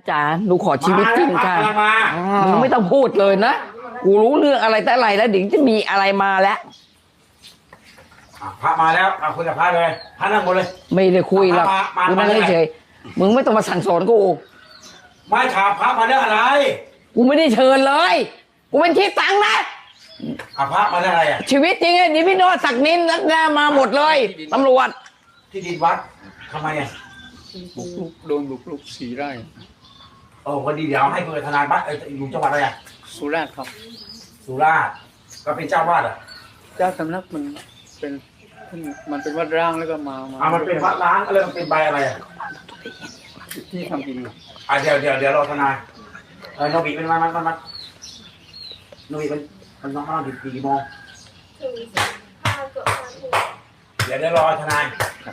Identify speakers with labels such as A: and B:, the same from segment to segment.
A: จ๋าหนูขอชีวิตจริงค่ะ
B: มา
A: มึงไม่ต้องพูดเลยนะกูรู้เรื่องอะไรแต่อะไรแล้วเดี๋ยวจะมีอะไรมาแล้ว
B: พระมาแล้วคุยกับพระเลยพระนั่งบนเลย
A: ไม่ได้คุยหรอก
B: มา
A: กูนั่งเฉยๆมึงไม่ต้องมาสั่งสอนกู
B: ไม่ถามพระมาเรื่องอะไร
A: กูไม่ได้เชิญเลยกูเป็นที่ตังนะ
B: พระมาเรื่องอะไรอ่ะ
A: ชีวิตจริงไอ้นี่พี่โนศักดิ์นินนักหน้ามาหมดเลยตำรวจ
B: ที่ดินวัดทำไมอ่ะ
C: บุกรุกโดนบุกรุก4 ไร่
B: วันดีเดี๋ยวให้คุยกับทนายบ้านอยู่จังหวัดอะไรอ่ะ
C: สุราษฎร์ครับ
B: สุราษฎร์ก็เป็นเจ้าวาดอ่ะ
C: เจ้าสำนักเป็นมันเป็นวัดร้างแล้วก็มา
B: มันเป็นวัดล้างอะไรมันเป็นใบอะไรอ่ะ
C: ที่ทำกิน
B: เดี๋ยวรอทนายโนบิเป็นมันโนบิมันน้องๆกี่โมง
D: ถึง15 เกือบ5 ทุ่ม
B: เดี๋ยวรอทนาย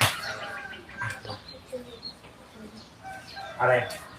B: อะไร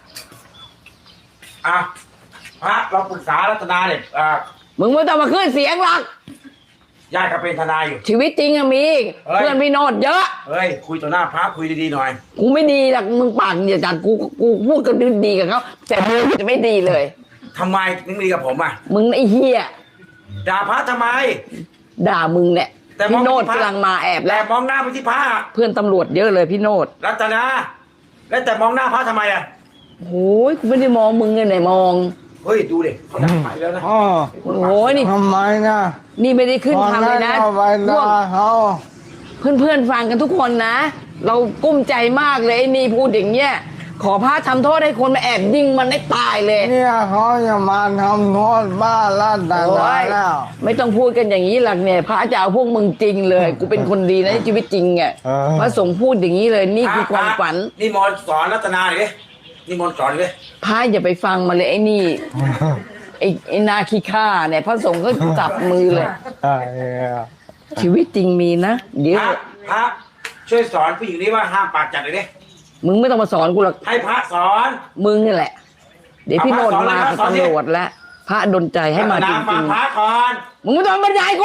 B: พระเราปรึกษารัตนาเนี่ย
A: มึงไม่ต้องมาขึ้นเสียงหรอก
B: ญาติก็เป็นทนายอยู่
A: ชีวิตจริงอะมี
B: เฮ้ย
A: เพื่อนพี่โนดเยอะ
B: เฮ้ยคุยต่อหน้าพระคุยดีๆหน่อย
A: กูไม่ดีหรอกมึงปากอย่าจัดกูพูดกันดีกับเขาแต่มึงจะไม่ดีเลย
B: ทำไมถึงดีกับผมอ่ะ
A: มึงไอ้เหี้ย
B: ด่าพระทำไม
A: ด่ามึงเนี่ย
B: แต่มอง
A: พี่โนด
B: ที่พระ
A: กำลังมาแอบ
B: แต่
A: แล้ว
B: มองหน้าไปที่พระ
A: เพื่อนตำรวจเยอะเลยพี่โนด
B: รัตนาแล้วแต่มองหน้าพระทำไมอ่ะ
A: โอ้ยกูไม่ได้มองมึงไงไหนมอง
B: เฮ้ยดูดิเขาด่าไปแล้วนะ
E: อ๋อ
A: โอ้ยนี่
E: ทำไมนะ
A: นี่ไม่ได้ขึ้นทำเลยนะ
E: เอาไป
A: พว
E: ด่าก เขา
A: เพื่อนๆฟังกันทุกคนนะ เรากุ้มใจมากเลยไอ้นี่พูดอย่างเงี้ยขอพระทำโทษให้คนมาแอบยิงมันได้ตายเลย
E: เนี่ยเขาจะมาทำโทษบ้าลัดดา
A: โอ้ย
E: แล้ว
A: ไม่ต้องพูดกันอย่างนี้หลักเนี่ยพระจะเอาพวกมึงจริงเลย กูเป็นคนดีนะในชีวิตจริงอ่ะ
E: เออ
A: พระสงฆ์พูดอย่างนี้เลยนี่คือความฝัน
B: นี่มนต์สอนรัตนาหน่อยดินี่มนต์สอนดิ
A: พระอย่าไปฟังมาเลยไอ้นี่ไอ้นาคีฆ่าเนี่ยพระสงฆ์ก็จับมือเลย ชีวิตจริงมีนะเดี๋ยว
B: พระช่วยสอนผู้หญิงนี้ว่าห้ามปากจัดเลยดิ
A: มึงไม่ต้องมาสอนกูหรอก
B: ให้พระสอน
A: มึงนี่แหละ เดี๋ยวพี่โนดมากับ
B: สอนเลย
A: ตำรวจแล้วพระดลใจให้มาจ
B: รัตนาฟั
A: ริ
B: ง
A: ง
B: พระก่อน
A: ๆมึงไม่ต้องบรรยายกู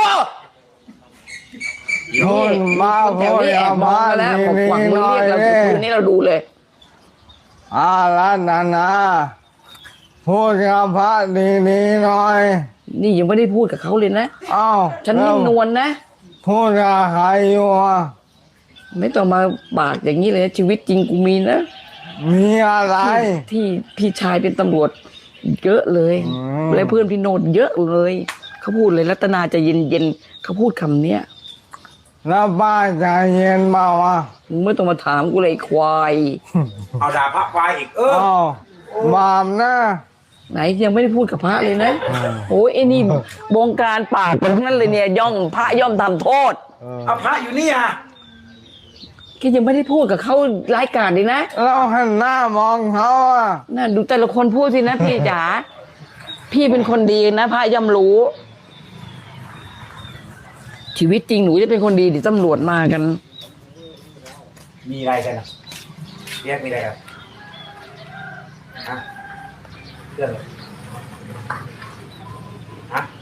E: โทษมา
A: แถ
E: พู
A: ว
E: ด
A: นี้แอ
E: กั
A: บบ ม
E: พ
A: อง
E: ระ
A: มาแล้ว
E: นี
A: บอกหวังมึง
E: หน่อ
A: เรีย
E: ย
A: กเราคืนนี้เราดูเลย
E: ลัดนาพูดกับพระดีๆหน่อย
A: นี่ยังไม่ได้พูดกับเขาเลยนะ
E: เอ้า
A: ฉันนิ่มนวลนะ
E: พูดกับใครอยู่อ่ะ
A: ไม่ต้องมาปากอย่างนี้เลยนะชีวิตจริงกูมีนะ
E: มีอะไร
A: ที่พี่ชายเป็นตำรวจเยอะเลย
E: อืม
A: และเพื่อนพี่โนดเยอะเลยเขาพูดเลยรัตนาจะเย็นๆเขาพูดคำเนี้ย
E: แล้วป้าใจเย็นเปล่าวะ
A: มึงไม่ต้องมาถามกูเลยไอ้ควาย
B: เอาด่าพระควายอีก
E: เอ้าบาปนะ
A: ไหนยังไม่ได้พูดกับพระเลยนะโอ้ยไอ้นี่วงการปากเป็นทั้งนั้นเลยเนี่ยย่อมพระย่อมทำโทษ
B: เอาพระอยู่นี่อ่ะ
A: แกยังไม่ได้พูดกับเขาร้ายกาจเลยนะ
E: เราหันหน้ามองเขาอ่ะ
A: น่าดูแต่ละคนพูดสินะพี่จ๋าพี่เป็นคนดีนะพระย่อมรู้ ชีวิตจริงหนูจะเป็นคนดีเดี๋ยวตำรวจมากัน
B: มีอะไรกันอ่ะเรียกมีอะไรกันฮะเรื่องอะไรฮะ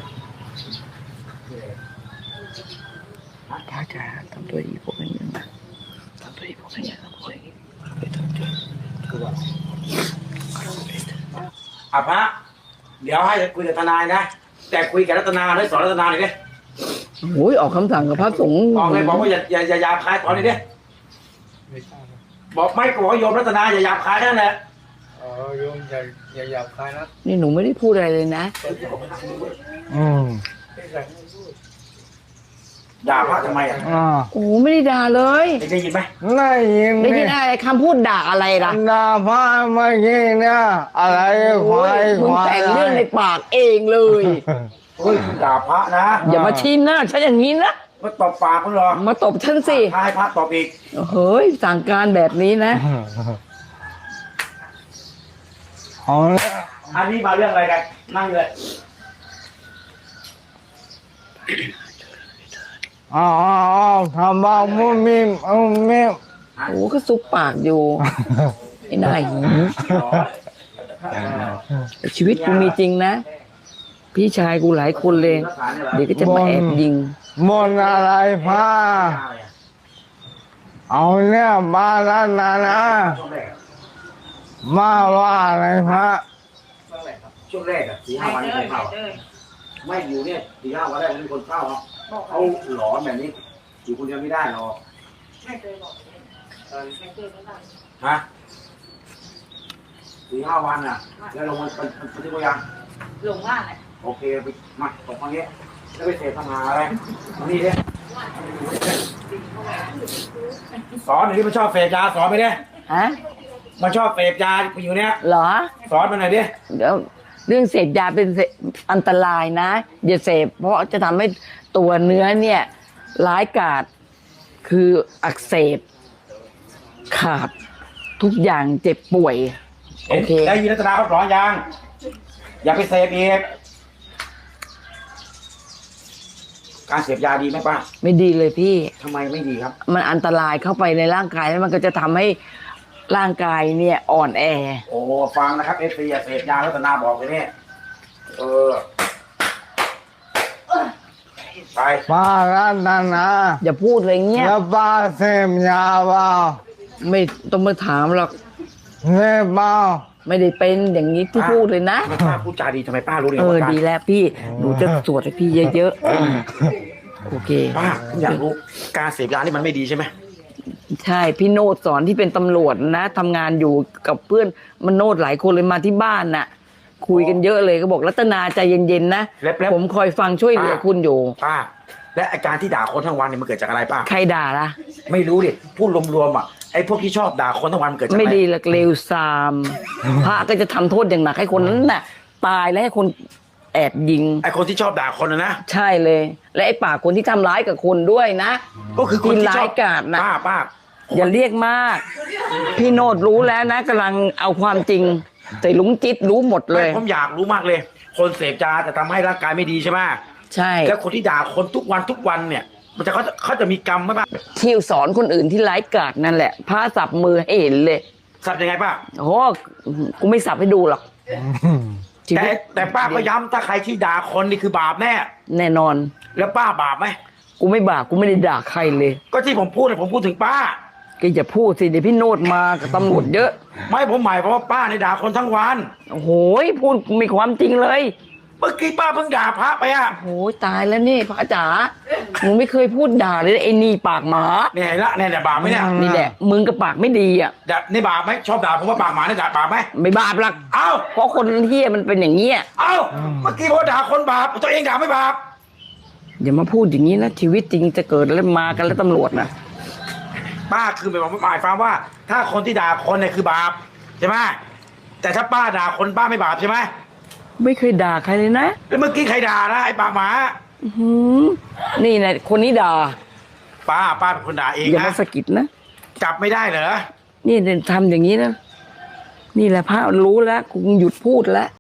A: พระจ๋าทำตัวดีพวกนี้นะทำตัวดีพวกนี้ทำตัวดีไปทำตัว
B: พระเดี๋ยวให้คุยกับทนายนะแต่คุยกับรัตนาให้สอนรัตนาหน่อยดิ
A: โอ้ยออกคำสั่งกับพระสงฆ์
B: บอกเลยบอกว่าอย่าหยาบคายตอนนี้ดิ
C: ไม่ทราบนะ
B: บอกไม่ก็บอกว่าโยมรัตนาอย่าหยาบคายนั่นแหละ
C: โยมอย่าหยาบคายนะ
A: นี่หนูไม่ได้พูดอะไรเลยนะ
E: อืม
B: ด่าพระทำไมอ่ะ
A: โอ้ไม่ได้ด่าเลย
B: ได้ยินไหม
E: ได้ยิน
A: ได้ยินอะไรคำพูดด่าอะไรล่ะ
E: ด่าพระเมื่อกี้เนี่ยอะไรควาย
A: มึ
E: ค
A: ง
E: วาย
A: แต่งเรื่องในปากเองเลย
B: เฮ้ยคุณด่าพระนะ
A: อย่ามาชี้หน้าฉันอย่างนี้นะ
B: มาตบปากคุณหรอ
A: มาตบฉันสิ
B: พาให้พระตบอีก
A: เฮ้ยสั่งการแบบนี้นะ
E: เอาละ
B: อันนี้มาเรื่องอะไรกันนั่งเลย
E: เอาทำบ้ามุมมิมมิม
A: โอ้ก็ซุปปากอยู่ไอ้นายหิวแต่ชีวิตกูมีจริงนะ พี่ชายกูหลายคนเลย เดี๋ยวก็จะมาแอบยิง
E: มนต์อะไรพระเอาเนี่ยบาลานานะมาว่าอะไรพระ
B: ช่วงแรกอะ4-5 วันไม่เคยเข้าไม่อยู่เนี่ย4-5 วันแรกไม่มีคนเข้าเขาหลอนแบบนี้อยู่คนเดียวไม่ได้หรอก
D: ไม่เคยบอกไม่เคยไม่ได้
B: ฮะ4-5 วันอ่ะแล้วลงมันที่ตัวยัง
D: หลงว่าอะไร
B: โอเคไปมาตกตรงนี้แล้วไปเสพทำหาอะไรมานี่ดิสอนหน่อยที่มันชอบเสพยาสอนไปดิ
A: ฮะ
B: มันชอบเสพยาไปอยู่เนี้ย
A: เหรอ
B: สอนมันหน่อยดิ
A: เดี๋ยวเรื่องเสพยาเป็นอันตรายนะอย่าเสพเพราะจะทำให้ตัวเนื้อเนี่ยร้ายกาจคืออักเสบขาดทุกอย่างเจ็บป่วย โอเค
B: ได้ยินรัตนาเขาสอนยังอย่าไปเสพอีกการเสพยาดีไหมป้า
A: ไม่ดีเลยพี่
B: ทำไมไม่ดีครับ
A: มันอันตรายเข้าไปในร่างกายแล้วมันก็จะทำให้ร่างกายเนี่ยอ่อนแอ
B: โอ้ฟังนะครับเอฟซีเสพยารัตนาบอกเลยเนี่ยไป
E: ป้ารัตนา
A: อย่าพูดอะไรเงี้ย
E: แล้วป้าเสพยาเปล่า
A: ไม่ต้องมาถามหรอก
E: เสพเปล่า
A: ไม่ได้เป็นอย่างนี้ที่พูดเลยนะ
B: ทำไมป้าพูดจาดีทำไมป้ารู้เรื่อง
A: เออ
B: ว่าการ
A: ดีแล้วพี่หนูจะสวดให้พี่เยอะๆโอเค
B: ป้าผมอยากรู้การเสพยานี่มันไม่ดีใช่ไหม
A: ใช่พี่โนดสอนที่เป็นตำรวจนะทำงานอยู่กับเพื่อนมันโนดหลายคนเลยมาที่บ้านน่ะ คุยกันเยอะเลยก็บอกรัตนาใจเย็นๆนะผมคอยฟังช่วยเหลือคุณอยู่
B: ป้า และอาการที่ด่าคนทั้งวันเนี่ยมันเกิดจากอะไรป้า
A: ใครด่าล่ะ
B: ไม่รู้ดิพูดรวมๆอ่ะไอ้พวกที่ชอบด่าคนทั้งวันมันเกิดจากอะไร
A: ไม่ดีหลักเลวซามพระก็จะทำโทษอย่างหนักให้คนนั้นน่ะ ตายและให้คนแอบยิง
B: ไอ้คนที่ชอบด่าคนนะ
A: ใช่เลย และไอ้ปากคนที่ทำร้ายกับคนด้วยนะ
B: ก็คือคนที่ช
A: ร้า
B: อย บ
A: กาจนะ
B: ป้า
A: อย่าเรียกมาก พี่โนดรู้แล้วนะกำลังเอาความจริง แต่ลุงจิตรู้หมดเล
B: ไม่
A: ย
B: ผมอยากรู้มากเลย คนเสพยาจะทำให้ร่างกายไม่ดีใช่ไหม
A: ใช่
B: แล้วคนที่ด่าคนทุกวันเนี่ย มันจะเขาจะมีกรรมไหมป้า
A: ที่สอนคนอื่นที่ร้ายกาจนั่นแหละพระสับมือให้เห็นเลย
B: สับยังไงป้า
A: โอ้กูไม่สับให้ดูหรอกชีวิต
B: แต่ป้าก็ย้ำถ้าใครที่ด่าคนนี่คือบาปแน่
A: แน่นอน
B: แล้วป้าบาปไหม
A: กูไม่บาปกูไม่ได้ด่าใครเลย
B: ก็ที่ผมพูดเนี่ยผมพูดถึงป้า
A: ก็อย่าพูดสิเดี๋ยวพี่โนดมากับตำรวจเยอะ
B: ไม่ผมหมายเพราะว่าป้าในยด่าคนทั้งวัน
A: โอ้โหพูดมีความจริงเลย
B: เมื่อกี้ป้าเพิ่งด่าพระไปอ่ะ
A: โอ้ยตายแล้วนี่พระจ๋าหนูไม่เคยพูดด่าเลยไอ้นี่ปากหมา
B: เนี่ยเห็นละเนี่ยบาปไหมเนี่ย
A: นี่แหละมึงกับปากไม่ดีอ่ะ
B: นี่บาปไหมชอบด่าผมว่าปากหมาเนี่ยด่าบาปไหม
A: ไม่บาปหรอก
B: เอ้า
A: เพราะคนเฮี้ยมันเป็นอย่างเงี้ย
B: เอ้าเมื่อกี้พอด่าคนบาปตัวเองด่าไม่บาป
A: อย่ามาพูดอย่างนี้นะชีวิตจริงจะเกิดแล้วมากันแล้วตำรวจนะ
B: ป้าคือหมายความว่า ถ้าคนที่ด่าคนเนี่ยคือบาปใช่ไหมแต่ถ้าป้าด่าคนป้าไม่บาปใช่ไหม
A: ไม่เคยด่าใครเลยนะ
B: แล้วเมื่อกี้ใครด่านะไอ้ปากหมา
A: อื้อหือนี่นะคนนี้ด่า
B: ป้าเป็นคนด่าเอง
A: อย่า
B: นะ
A: มาสะกิดนะ
B: จับไม่ได้เหรอ
A: นี่ทำอย่างนี้นะนี่แหละพระรู้แล้วกูหยุดพูดแล้ว